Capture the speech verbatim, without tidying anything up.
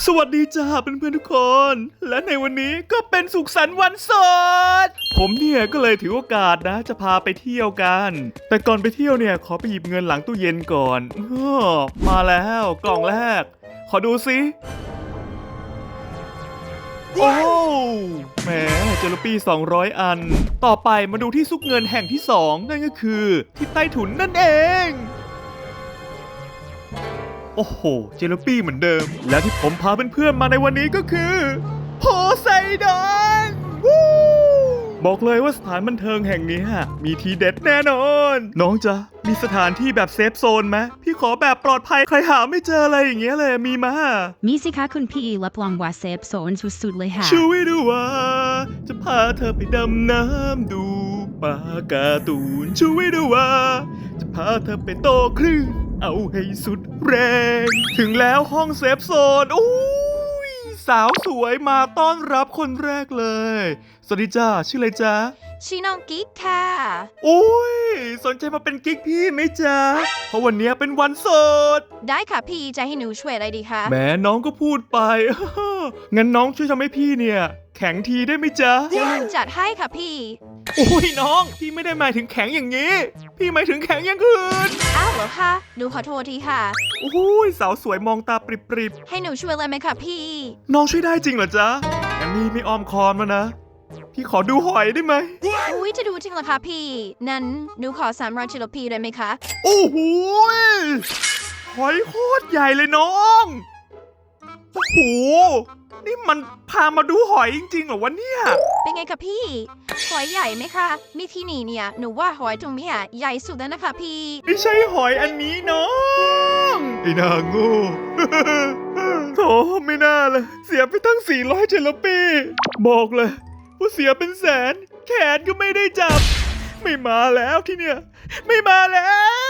สวัสดีจ้าเพื่อนๆทุกคน และในวันนี้ก็เป็นสุขสันต์วันสดผมเนี่ยก็เลยถือโอกาสนะจะพาไปเที่ยวกัน แต่ก่อนไปเที่ยวเนี่ยขอไปหยิบเงินหลังตู้เย็นก่อนอ้อมาแล้วกล่องแรก ขอดูสิโอ้แหมเจลปี้สองร้อยอัน ต่อไปมาดูที่ซุกเงินแห่งที่สองนั่นก็คือที่ใต้ถุนนั่นเองโอ้โหเจลปี้เหมือนเดิม และที่ผมพาเพื่อนๆมาในวันนี้ก็คือโพไซดอนวู้บอกเลยว่าสถานบันเทิงแห่งนี้มีทีเด็ดแน่นอน น้องจ๊ะมีสถานที่แบบเซฟโซนไหมพี่ขอแบบปลอดภัยใครหาไม่เจออะไรอย่างเงี้ยเลยมีมามีสิคะคุณพี่รับรองว่าเซฟโซนสุดๆเลยค่ะช่วยดูว่าจะพาเธอไปดำน้ำดูปลาการ์ตูนช่วยดูว่าจะพาเธอไปโตคลื่นเอาให้สุดแรงถึงแล้วห้องเซฟโซนอุ้ยสาวสวยมาต้อนรับคนแรกเลยสวัสดีจ้าชื่ออะไรจ๊ะชื่อน้องกิ๊กค่ะอุ้ยสนใจมาเป็นกิ๊กพี่ไหมจ๊ะเพราะวันนี้เป็นวันโสดได้ค่ะพี่จะให้หนูช่วยอะไรดีคะแหมน้องก็พูดไป งั้นน้องช่วยทำให้พี่เนี่ยแข็งทีได้ไหมจ๊ะจัดให้ค่ะพี่โอ้ยน้องพี่ไม่ได้หมายถึงแข็งอย่างนี้พี่หมายถึงแข็งอย่างอื่นอ้าวเหรอคะหนูขอโทษทีค่ะโอ้ยสาวสวยมองตาปริบๆให้หนูช่วยอะไรไหมคะพี่น้องช่วยได้จริงเหรอจ๊ะงั้นพี่ไม่อ้อมคอมแล้วนะพี่ขอดูหอยได้ไหมอุ้ยจะดูจริงเหรอคะพี่นั้นหนูขอสามร้อยจิโลพีได้ไหมคะโอ้โหหอยโคตรใหญ่เลยน้องโอ้โหนี่มันพามาดูหอยจริงๆเหรอวะเนี่ยเป็นไงคะพี่หอยใหญ่ไหมคะมีที่นี่เนี่ยหนูว่าหอยตรงนี้อ่ะใหญ่สุดแล้วนะคะพี่ไม่ใช่หอยอันนี้น้องไอ้นางโง่ โถไม่น่าเลยเสียไปตั้งสี่ร้อยเจลปีบอกเลยว่าเสียเป็นแสนแขนก็ไม่ได้จับไม่มาแล้วที่เนี่ยไม่มาแล้ว